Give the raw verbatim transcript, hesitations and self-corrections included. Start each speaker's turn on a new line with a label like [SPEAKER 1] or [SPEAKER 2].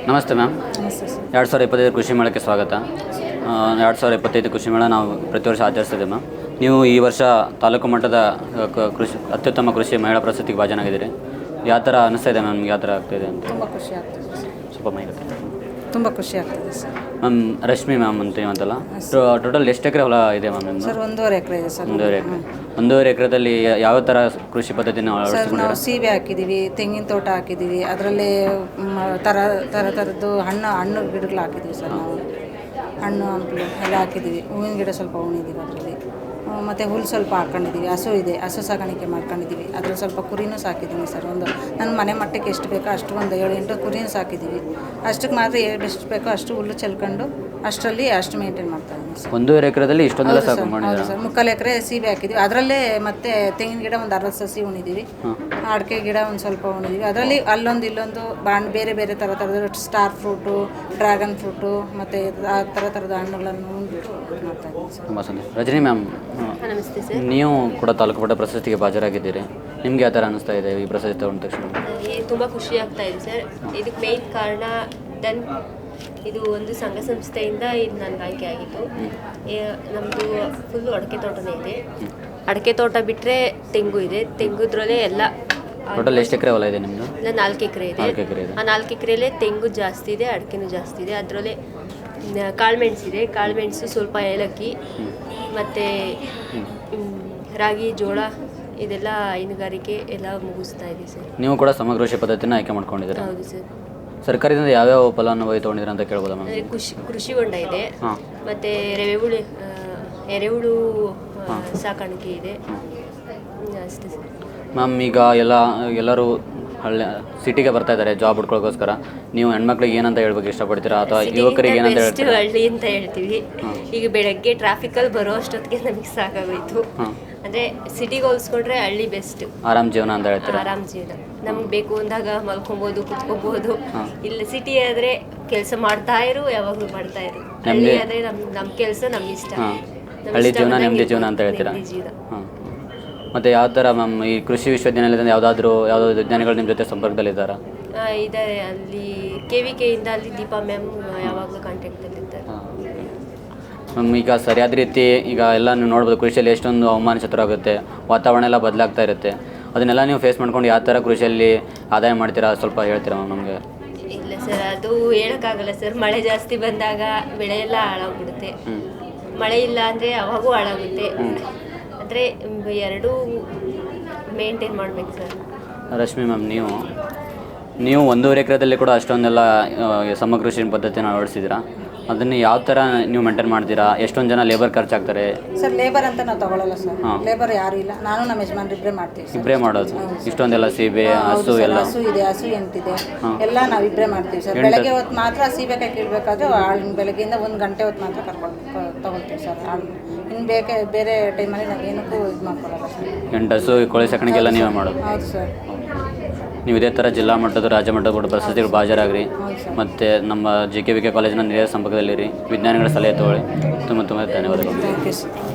[SPEAKER 1] ನಮಸ್ತೆ ಮ್ಯಾಮ್.
[SPEAKER 2] ನಮಸ್ತೆ ಸರ್.
[SPEAKER 1] ಎರಡು ಸಾವಿರದ ಇಪ್ಪತ್ತೈದು ಕೃಷಿ ಮೇಳಕ್ಕೆ ಸ್ವಾಗತ. ಎರಡು ಸಾವಿರದ ಇಪ್ಪತ್ತೈದು ಕೃಷಿ ಮೇಳ ನಾವು ಪ್ರತಿ ವರ್ಷ ಆಚರಿಸ್ತಿದ್ದೆ ಮ್ಯಾಮ್. ನೀವು ಈ ವರ್ಷ ತಾಲೂಕು ಮಟ್ಟದ ಕೃಷಿ ಅತ್ಯುತ್ತಮ ಕೃಷಿ ಮಹಿಳಾ ಪ್ರಶಸ್ತಿಗೆ ಭಾಜನಾಗಿದ್ದೀರಿ. ಯಾವ ಥರ ಅನ್ನಿಸ್ತಾ ಇದೆ ಮ್ಯಾಮ್, ಯಾವ ಥರ ಆಗ್ತಾಯಿದೆ ಅಂತ
[SPEAKER 2] ತುಂಬ ಖುಷಿ ಆಗ್ತದೆ ಸರ್.
[SPEAKER 1] ಸ್ವಲ್ಪ ಮಾಹಿತಿ.
[SPEAKER 2] ತುಂಬ ಖುಷಿ ಆಗ್ತದೆ ಸರ್.
[SPEAKER 1] ಮ್ಯಾಮ್ ರಶ್ಮಿ ಮ್ಯಾಮ್ ಅಂತ ಅಂತಲ್ಲ, ಟೋಟಲ್ ಎಷ್ಟು ಎಕರೆ ಹೊಲ ಇದೆ ಮ್ಯಾಮ್ ನಿಮ್ಮದು?
[SPEAKER 2] ಸರ್ ಒಂದೂವರೆ ಎಕರೆ ಇದೆ ಸರ್.
[SPEAKER 1] ಒಂದೂವರೆ ಎಕರೆ ಒಂದೂವರೆ ಎಕರೆದಲ್ಲಿ ಯಾವ ಥರ ಕೃಷಿ ಪದ್ಧತಿನ
[SPEAKER 2] ಸರ್
[SPEAKER 1] ಅಳವಡಿಸ್ಕೊಂಡಿದ್ದೀರಾ?
[SPEAKER 2] ನಾವು ಸೀಬೆ ಹಾಕಿದ್ದೀವಿ, ತೆಂಗಿನ ತೋಟ ಹಾಕಿದ್ದೀವಿ, ಅದರಲ್ಲಿ ಥರ ಥರ ಥರದ್ದು ಹಣ್ಣು ಹಣ್ಣು ಗಿಡಗಳು ಹಾಕಿದ್ದೀವಿ ಸರ್. ನಾವು ಹಣ್ಣು ಹಂಪಲು ಎಲ್ಲ ಹಾಕಿದ್ದೀವಿ. ಹೂವಿನ ಗಿಡ ಸ್ವಲ್ಪ ಹೂಣಿದ್ದೀವಿ ಅದರಲ್ಲಿ. ಮತ್ತು ಹುಲ್ಲು ಸ್ವಲ್ಪ ಹಾಕ್ಕೊಂಡಿದ್ದೀವಿ. ಹಸು ಇದೆ, ಹಸು ಸಾಗಾಣಿಕೆ ಮಾಡ್ಕೊಂಡಿದ್ದೀವಿ. ಅದ್ರಲ್ಲಿ ಸ್ವಲ್ಪ ಕುರಿನೂ ಸಾಕಿದ್ದೀನಿ ಸರ್. ಒಂದು ನನ್ನ ಮನೆ ಮಟ್ಟಕ್ಕೆ ಎಷ್ಟು ಬೇಕೋ ಅಷ್ಟು ಒಂದು ಏಳು ಎಂಟು ಕುರಿನೂ ಸಾಕಿದ್ದೀವಿ. ಅಷ್ಟಕ್ಕೆ ಮಾತ್ರ ಎಷ್ಟು ಬೇಕೋ ಅಷ್ಟು ಹುಲ್ಲು ಚೆಲ್ಕೊಂಡು ಅಷ್ಟರಲ್ಲಿ ಅಷ್ಟು ಮೇಂಟೈನ್ ಮಾಡ್ತಾ ಇದ್ದೀನಿ ಸರ್.
[SPEAKER 1] ಒಂದೂವರೆ ಎಕರೆದಲ್ಲಿ ಇಷ್ಟೊಂದೆಲ್ಲ ಸಾಕು ಮಾಡಿದ್ದೀರಾ?
[SPEAKER 2] ಹೌದು ಸರ್. ಮುಕ್ಕಾಲು ಎಕರೆ ಸೀಬೆ ಹಾಕಿದ್ದೀವಿ. ಅದರಲ್ಲೇ ಮತ್ತೆ ತೆಂಗಿನ ಗಿಡ ಒಂದು ಅರವತ್ತು ಸಸಿ ಉಣಿದ್ದೀವಿ. ಅಡಿಕೆ ಗಿಡ ಒಂದು ಸ್ವಲ್ಪ ಉಣಿದ್ದೀವಿ. ಅದರಲ್ಲಿ ಅಲ್ಲೊಂದು ಇಲ್ಲೊಂದು ಬಾಣ್ ಬೇರೆ ಬೇರೆ ಥರ ಥರದ ಸ್ಟಾರ್ ಫ್ರೂಟು, ಡ್ರ್ಯಾಗನ್ ಫ್ರೂಟು ಮತ್ತು ಆ ಥರ ಥರದ ಹಣ್ಣುಗಳನ್ನು ಉಂಡ್ಬಿಟ್ಟು ಮಾಡ್ತಾ ಇದ್ದೀವಿ ಸರ್.
[SPEAKER 1] ತುಂಬ ಸಂತೋಷ. ರಜನಿ ಮ್ಯಾಮ್,
[SPEAKER 3] ನಮಸ್ತೆ ಸರ್.
[SPEAKER 1] ನೀವು ಕೂಡ ತಾಲೂಕು ಮಟ್ಟ ಪ್ರಶಸ್ತಿಗೆ ಭಾಜರಾಗಿದ್ದೀರಿ. ನಿಮ್ಗೆ ಯಾವ ಥರ ಅನ್ನಿಸ್ತಾ ಇದೆ ಈ ಪ್ರಶಸ್ತಿ ತಗೊಂಡ ತಕ್ಷಣ?
[SPEAKER 3] ತುಂಬ ಖುಷಿ ಆಗ್ತಾ ಇದೆ ಸರ್. ಇದಕ್ಕೆ ಮೇಯ್ನ್ ಕಾರಣ ದನ್ ಇದು ಒಂದು ಸಂಘ ಸಂಸ್ಥೆಯಿಂದ ಇದು ನನಗೆ ಆಯ್ಕೆ ಆಗಿತ್ತು. ನಮ್ಮದು ಫುಲ್ಲು ಅಡಿಕೆ ತೋಟನೇ ಇದೆ. ಅಡಿಕೆ ತೋಟ ಬಿಟ್ಟರೆ ತೆಂಗು ಇದೆ. ತೆಂಗುದ್ರಲ್ಲೇ ಎಲ್ಲ
[SPEAKER 1] ಟೋಟಲ್ ಎಷ್ಟು ಎಕರೆ ಹೊಲ ಇದೆ ನಿಮ್ಮದು?
[SPEAKER 3] ಇಲ್ಲ ನಾಲ್ಕು ಎಕರೆ ಇದೆ.
[SPEAKER 1] ನಾಲ್ಕು ಎಕರೆ ಇದೆ.
[SPEAKER 3] ಆ ನಾಲ್ಕು ಎಕರೆಯಲ್ಲೇ ತೆಂಗು ಜಾಸ್ತಿ ಇದೆ, ಅಡಿಕೆನೂ ಜಾಸ್ತಿ ಇದೆ. ಅದರಲ್ಲೇ ಕಾಳುಮೆಣಸಿದೆ. ಕಾಳುಮೆಣಸು, ಸ್ವಲ್ಪ ಏಲಕ್ಕಿ ಮತ್ತು ರಾಗಿ, ಜೋಳ ಇದೆಲ್ಲ ಹೈನುಗಾರಿಕೆ ಎಲ್ಲ ಮುಗಿಸ್ತಾ ಇದೆ ಸರ್.
[SPEAKER 1] ನೀವು ಕೂಡ ಸಮಗ್ರ ಕೃಷಿ ಪದ್ಧತಿನ ಆಯ್ಕೆ ಮಾಡ್ಕೊಂಡಿದ್ದೀರಾ?
[SPEAKER 3] ಹೌದು ಸರ್.
[SPEAKER 1] ಸರ್ಕಾರದಿಂದ ಯಾವ್ಯಾವ ಫಲಾನುಭವಿ ತೊಗೊಂಡಿದ್ದೀರಾ ಅಂತ ಕೇಳ್ಬೋದಾ ಮ್ಯಾಮ್?
[SPEAKER 3] ಕೃಷಿ ಕೃಷಿ ಹೊಂಡ ಇದೆ.
[SPEAKER 1] ಹಾಂ.
[SPEAKER 3] ಮತ್ತು ಎರೆಹುಳು ಎರೆಹುಳು ಸಾಕಾಣಿಕೆ ಇದೆ. ಅಷ್ಟೇ ಸರ್.
[SPEAKER 1] ಮ್ಯಾಮ್ ಈಗ ಎಲ್ಲ ಎಲ್ಲರೂ ಹಳ್ಳಿ ಸಿಟಿಗೆ ಬರ್ತಾ ಇದ್ದಾರೆ ಜಾಬ್ ಹುಡ್ಕೊಳ್ಳೋಕ್ಕೋಸ್ಕರ. ನೀವು ಹೆಣ್ಮಕ್ಳಿಗೆ ಏನಂತ ಹೇಳ್ಬೇಕು ಇಷ್ಟಪಡ್ತೀರಾ, ಅಥವಾ ಯುವಕರಿಗೆ ಏನಂತ
[SPEAKER 3] ಬೆಸ್ಟ್
[SPEAKER 1] ಹೇಳ್ತೀರಾ?
[SPEAKER 3] ಹಳ್ಳಿ ಅಂತ ಹೇಳ್ತೀವಿ. ಈಗ ಬೆಳಗ್ಗೆ ಟ್ರಾಫಿಕಲ್ಲಿ ಬರೋ ಅಷ್ಟೊತ್ತಿಗೆ ನಮಗೆ ಸಾಕಾಗೋಯ್ತು. ಅಂದರೆ ಸಿಟಿಗೆ ಹೋಲಿಸ್ಕೊಂಡ್ರೆ ಹಳ್ಳಿ ಬೆಸ್ಟ್.
[SPEAKER 1] ಆರಾಮ್ ಜೀವನ ಅಂತ ಹೇಳ್ತೀರಾ?
[SPEAKER 3] ಆರಾಮ್ ಜೀವನ. ನಮ್ಗೆ ಬೇಕು ಅಂದಾಗ ಮಲ್ಕೊಬೋದು, ಕುತ್ಕೋಬೋದು. ಇಲ್ಲ ಸಿಟಿ ಆದರೆ ಕೆಲಸ ಮಾಡ್ತಾ ಇರು, ಯಾವಾಗಲೂ ಮಾಡ್ತಾ ಇರು. ಹಳ್ಳಿ ಆದರೆ ನಮ್ಮ ನಮ್ಮ ಕೆಲಸ ನಮ್ಮ ಇಷ್ಟ.
[SPEAKER 1] ಹಳ್ಳಿ ಜೀವನ ನೆಮ್ಮದಿ ಜೀವನ ಅಂತ ಹೇಳ್ತೀರಾ? ಹಾಂ. ಮತ್ತು ಯಾವ ಥರ ಮ್ಯಾಮ್ ಈ ಕೃಷಿ ವಿಶ್ವವಿದ್ಯಾನಿಲಯದಿಂದ ಯಾವುದಾದ್ರೂ ಯಾವುದಾದ್ರು ವಿಜ್ಞಾನಿಗಳು ನಿಮ್ಮ ಜೊತೆ ಸಂಪರ್ಕದಲ್ಲಿದ್ದಾರಾ?
[SPEAKER 3] ಇದ್ದಾರೆ. ಅಲ್ಲಿ ಕೆ ವಿ ಕೆಯಿಂದ ಅಲ್ಲಿ ದೀಪಾ ಮ್ಯಾಮ್ ಯಾವಾಗಲೂ ಕಾಂಟ್ಯಾಕ್ಟಲ್ಲಿರ್ತಾರೆ.
[SPEAKER 1] ಮ್ಯಾಮ್ ಈಗ ಸರಿಯಾದ ರೀತಿ ಈಗ ಎಲ್ಲ ನೀವು ನೋಡ್ಬೋದು, ಕೃಷಿಯಲ್ಲಿ ಎಷ್ಟೊಂದು ಹವಾಮಾನ ಚತುರಾಗುತ್ತೆ, ವಾತಾವರಣ ಎಲ್ಲ ಬದಲಾಗ್ತಾ ಇರುತ್ತೆ. ಅದನ್ನೆಲ್ಲ ನೀವು ಫೇಸ್ ಮಾಡ್ಕೊಂಡು ಯಾವ ಥರ ಕೃಷಿಯಲ್ಲಿ ಆದಾಯ ಮಾಡ್ತೀರಾ ಸ್ವಲ್ಪ ಹೇಳ್ತೀರಾ ಮ್ಯಾಮ್ ನಮಗೆ?
[SPEAKER 3] ಇಲ್ಲ ಸರ್, ಅದು ಹೇಳೋಕ್ಕಾಗಲ್ಲ ಸರ್. ಮಳೆ ಜಾಸ್ತಿ ಬಂದಾಗ ಬೆಳೆ ಎಲ್ಲ ಹಾಳಾಗ್ಬಿಡುತ್ತೆ. ಮಳೆ ಇಲ್ಲ ಅಂದರೆ ಅವಾಗೂ ಹಾಳಾಗುತ್ತೆ. ಅಂದರೆ ಎರಡೂ ಮೇಂಟೈನ್ ಮಾಡಬೇಕು ಸರ್.
[SPEAKER 1] ರಶ್ಮಿ ಮ್ಯಾಮ್, ನೀವು ನೀವು ಒಂದೂವರೆ ಎಕರೆದಲ್ಲಿ ಕೂಡ ಅಷ್ಟೊಂದೆಲ್ಲ ಸಮಗ್ರ ಕೃಷಿ ಪದ್ಧತಿನ ಅಳವಡಿಸಿದ್ದೀರಾ. ಅದನ್ನು ಯಾವ ಥರ ನೀವು ಮೇಂಟೈನ್ ಮಾಡ್ತೀರಾ? ಎಷ್ಟೊಂದು ಜನ ಲೇಬರ್ ಖರ್ಚಾಗ್ತಾರೆ
[SPEAKER 2] ಸರ್. ಲೇಬರ್ ಅಂತ ನಾವು ತಗೊಳ್ಳಲ್ಲ ಸರ್. ಲೇಬರ್ ಯಾರು ಇಲ್ಲ. ನಾನು ನಮ್ಮ ಯಜಮಾನ್ರು ಇಬ್ಬರೇ ಮಾಡ್ತೀವಿ ಸರ್.
[SPEAKER 1] ಇಬ್ಬರೇ ಮಾಡೋದು? ಇಷ್ಟೊಂದೆಲ್ಲ ಸೀಬೆ, ಹಸು ಎಲ್ಲ? ಹಸು
[SPEAKER 2] ಇದೆ, ಹಸು ಎಂಟಿದೆ, ಎಲ್ಲ ನಾವು ಇಬ್ಬರೇ ಮಾಡ್ತೀವಿ ಸರ್. ಬೆಳಗ್ಗೆ ಹೊತ್ತು ಮಾತ್ರ ಸೀಬೆಕಾಯಿ ಕೀಳಬೇಕಾದ್ರೆ ಆಳು ಬೆಳಗ್ಗೆಯಿಂದ ಒಂದು ಗಂಟೆ ಹೊತ್ತು ಮಾತ್ರ ಕರ್ಕೊಂಡು ತಗೊಳ್ತೀವಿ ಸರ್ ಆಳು. ಇನ್ನು ಬೇಕೆ ಬೇರೆ ಟೈಮಲ್ಲಿ ನಾವು ಏನಕ್ಕೂ ಇದು ಮಾಡ್ಕೊಳ್ಳಲ್ಲ ಸರ್.
[SPEAKER 1] ಎಂಟು ಹಸು ಕೋಳಿ ಸಾಕಾಣಿಕೆ ಎಲ್ಲ ನೀವೇ ಮಾಡೋದು?
[SPEAKER 2] ಹೌದು ಸರ್.
[SPEAKER 1] ನೀವು ಇದೇ ಥರ ಜಿಲ್ಲಾ ಮಟ್ಟದ ರಾಜ್ಯ ಮಟ್ಟದ ಕೂಡ ಪ್ರಶಸ್ತಿಗಳು ಭಾಜರಾಗ್ರಿ. ಮತ್ತು ನಮ್ಮ ಜೆ ಕೆ ವಿ ಕೆ ಕಾಲೇಜಿನ ನೇರ ಸಂಪರ್ಕದಲ್ಲಿರಿ. ವಿಜ್ಞಾನಿಗಳ ಸಲಹೆ ತಗೊಳ್ಳಿ. ತುಂಬ ತುಂಬ ಧನ್ಯವಾದಗಳು.
[SPEAKER 2] Thank you sir.